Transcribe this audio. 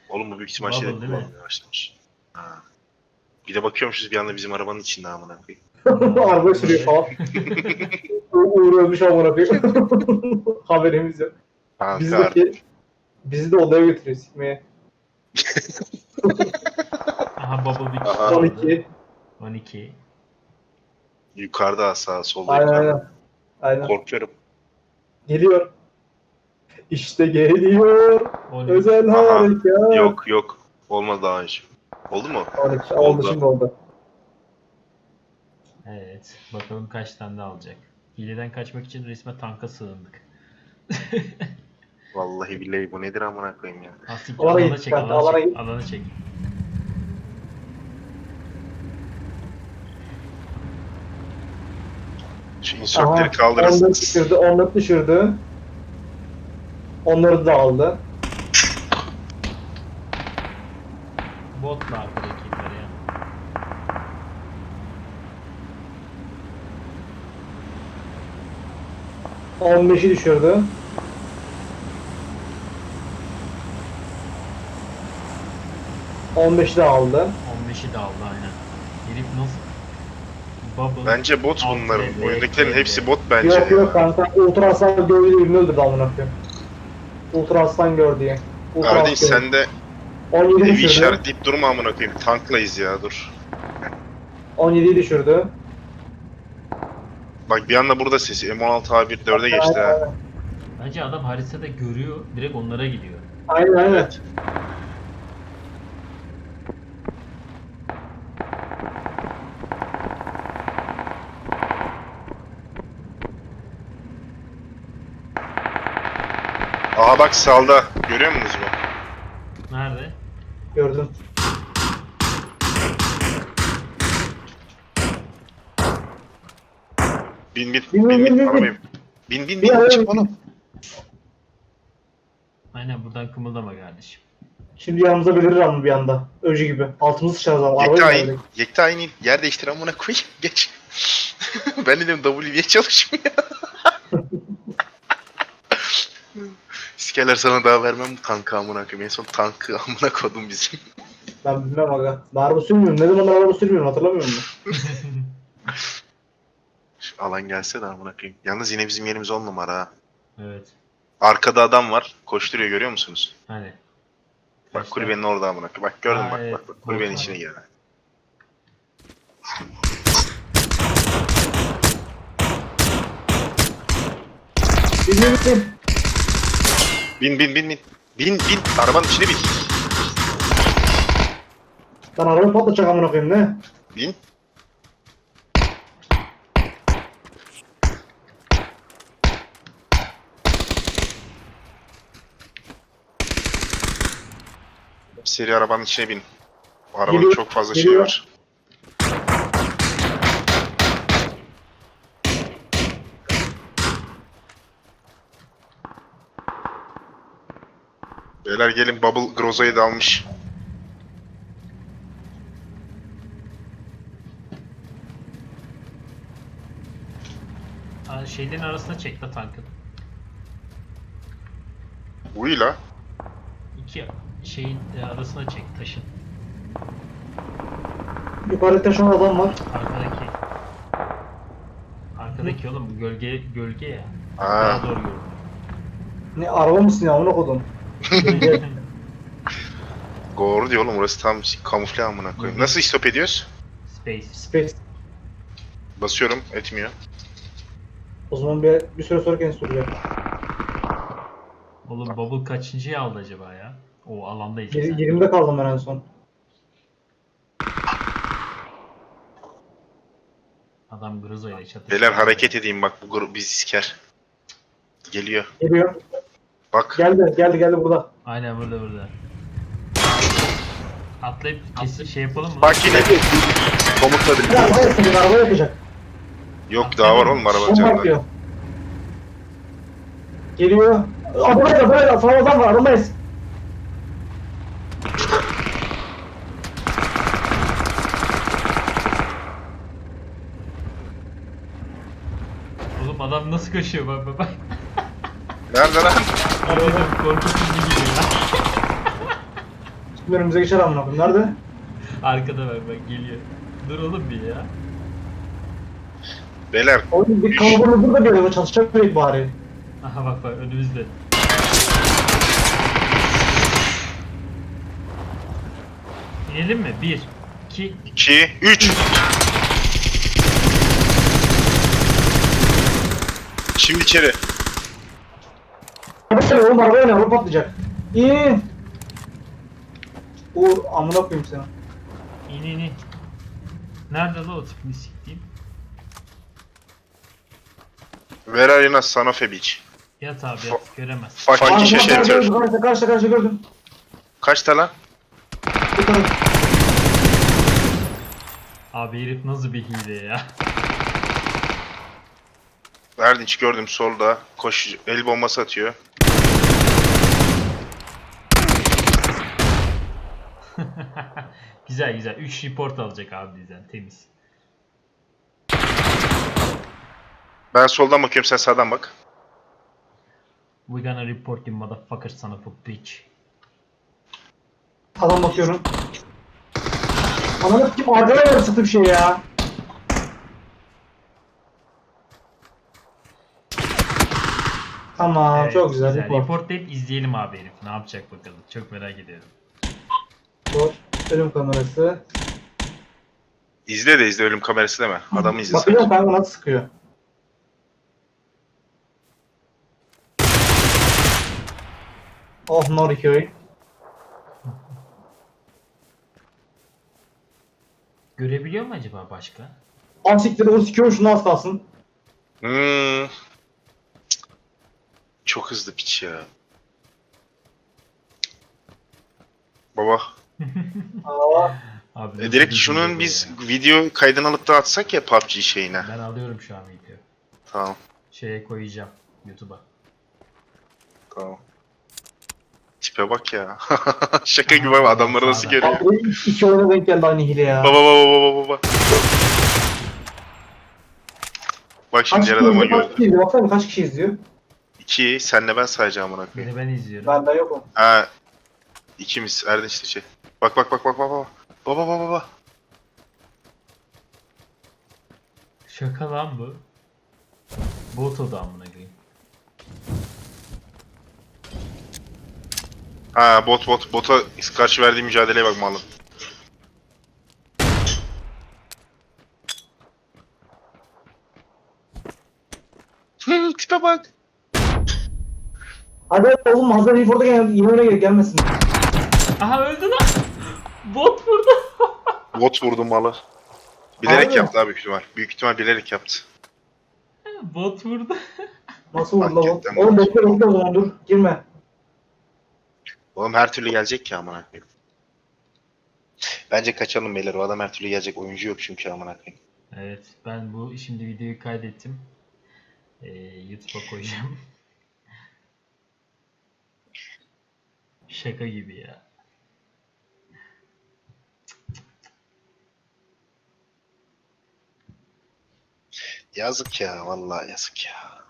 Oğlum bu büyük ihtimal Bubble şeyde değil mi? kullanmaya başlamış. Ha. Bir de bakıyormuşuz bir anda bizim arabanın içinde amına koyayım. Arabayı sürüyor falan. Uğur ölmüş amına koyayım. Haberimiz yok. Kanka Bizi de, artık. bizi de odaya götürüyor sikmeye. Aha Bubble bir kişi Aha. kaldı. 12. 12. Yukarıda sağ solda Aynen yukarıda. aynen. Aynen. Korkuyorum. Geliyor. İşte geliyor. 12. Özel Aha. harekat. Yok. Olmadı daha önce. Oldu mu? 12. Oldu şimdi oldu. Evet. Bakalım kaç tane daha alacak. Hileden kaçmak için resmen tanka sığındık. Vallahi billahi bu nedir amına koyayım ya. Asik Alana alana git, çek, kanka, alana alana çek, git. alana çek. Şu insertleri Aha, kaldırırsınız. 14 düşürdü, 14 düşürdü. Onları da aldı. Botla arkadakileri ya. On 15'i düşürdü. On 15'i de aldı. 15'i de aldı aynen. Herif nasıl? Bubble. Bence bot Alt bunların. level, Oyundakilerin level. hepsi bot bence. Yok yok kanka, Ultra Aslan gördüğü birini öldürdü amına koyayım. Ultra Aslan gör diye. Ultra Kardeş Aslan. sen de 17'yi evi düşürdü. işaretleyip durma amına koyayım. Tanklayız ya dur. 17'yi düşürdü. Bak bir anda burada sesi. M16 A1 4'e geçti ha. Bence adam haritada görüyor, direkt onlara gidiyor. Aynen. Evet. Aha bak sağda. Görüyor musunuz bu? Nerede? Gördüm. Bin Bin. arabaya bin. Bin Bin. çık oğlum. Aynen buradan kımıldama kardeşim. Şimdi yanımıza belirir ama bir anda. Öcü gibi. Altımızı sıçarız ama. Yekta Arabayı in. verdik. Yekta in. Yer değiştir amına koyayım. Geç. Ben dedim W niye çalışmıyor? İskeler sana daha vermem kanka amına koyayım. En son tankı amına kodum bizim. Ben bilmem aga. Ben araba sürmüyorum. Ne zaman araba sürmüyorum hatırlamıyor musun? Şu alan gelse de amına koyayım. Yalnız yine bizim yerimiz 10 numara ha. Evet. Arkada adam var. Koşturuyor görüyor musunuz? Hani. Bak kulübenin orada amına koyayım. Bak gördün mü? Aa, Bak evet. bak kulübenin Bot içine var. gir. Bilmiyorum. Bin. Bin. Arabanın içine bin. Ben arabayı patlatacak amına koyayım ne? Bin. Seri arabanın içine bin. Bu arabanın Geliyor, çok fazla şeyi geliyor. var. Beyler gelin Bubble Groza'yı da almış. Aa, şeylerin arasına çek la tankın. Uyla. İki şeyin arasına çek taşın. Yukarı taşan adam var. Arkadaki. Arkadaki oğlum bu gölge ya. Aa. Daha doğru görünüyor. Ne araba mısın ya amına kodum? Doğru diyor oğlum orası tam kamufle amına koyayım. Nasıl stop ediyoruz? Space. Space. Basıyorum etmiyor. O zaman bir süre sonra kendisi duracak. Oğlum Bubble kaçıncıyı aldı acaba ya? O alandayız biz. 20'de kaldım ben en son. Adam Grozo ile çatışıyor. Beyler hareket edeyim bak bu grup bizi siker. Geliyor. Geliyor. Bak. Geldi burada. Aynen burada. Atlayıp kesin şey yapalım mı? Bak yine. Komutla Bir birlikte. araba yapacak, araba yapacak. Yok daha var oğlum arabanın Bomba canında. atıyor. Geliyor. Buraya falan adam var, arabayız. Oğlum adam nasıl koşuyor bak. Nerede lan? Dedim korkutucu gibi ya. Şimdi önümüze geçer amına koyayım. Nerede? Arkada bak geliyor. Dur oğlum bir ya. Beyler Oğlum bir kalabalık burada bir araba çalışacak mıydı bari? Aha bak önümüzde. İnelim mi? 1, 2, 2, 3. Şimdi içeri. Arabaya oğlum arabaya ne? Araba patlayacak. İn. Uğur amına koyayım seni. in. Nerede la o tipini siktiğim? Where are you now, son of a bitch? Yat abi yat göremez. Fucking Karşıda shelter. karşıda gördüm. Kaçta lan? Bir tane. Abi herif nasıl bir hile ya. Erdinç gördüm solda. Koş, el bombası atıyor. Güzel 3 report alacak abi bizden temiz. Ben soldan bakıyorum, sen sağdan bak. We gonna report you motherfucker son of a bitch. Adam bakıyorum. Ananı kim arkada yarısıtı bir şey ya. Tamam Evet, çok güzel. Report. Reportlayıp izleyelim abi herif. Ne yapacak bakalım. Çok merak ediyorum. Report. Ölüm kamerası. İzle de izle, ölüm kamerası deme. Adamı izle sen. Bakıyorum kanka nasıl sıkıyor. Oh Noriköy. Görebiliyor mu acaba başka? Asiktir o sikiyor şunu az kalsın. Çok hızlı piç ya. Baba. Aa, Abi Direkt nasıl bir hile şunun bu biz ya? video kaydını alıp da atsak ya PUBG şeyine. Ben alıyorum şu an video. Tamam. Şeye koyacağım YouTube'a. Tamam. Tipe bak ya. Şaka gibi abi, adamları nasıl Sağdan. görüyor. abi iki oyuna denk geldi aynı hile ya. Baba. Bak şimdi diğer adamı Kaç gördü. kişi izliyor? Baksana kaç kişi izliyor? 2, senle ben sayacağım amına koyayım. Beni ben izliyorum. Benden yok o. Ha, ikimiz Erdinç de şey. Bak. Baba. Şaka lan bu. Bot o da amına koyayım. Ha, bota karşı verdiği mücadeleye bak malım. Tipe bak. Hadi oğlum hazır Report'a gel, yine öyle gelmesin. Aha öldü lan. Bot vurdu. Bot vurdu malı. Bilerek Harbi mi? yaptı abi büyük ihtimal. Büyük ihtimal bilerek yaptı. Bot vurdu. Nasıl vurdu la bu? Hakikaten Oğlum bu. bekle o zaman dur. Girme. Oğlum her türlü gelecek ki amına koyayım. Bence kaçalım beyler. O adam her türlü gelecek. Oyuncu yok çünkü amına koyayım. Evet ben bu şimdi videoyu kaydettim. YouTube'a koyacağım. Şaka gibi ya. Yazık ya, vallahi yazık ya.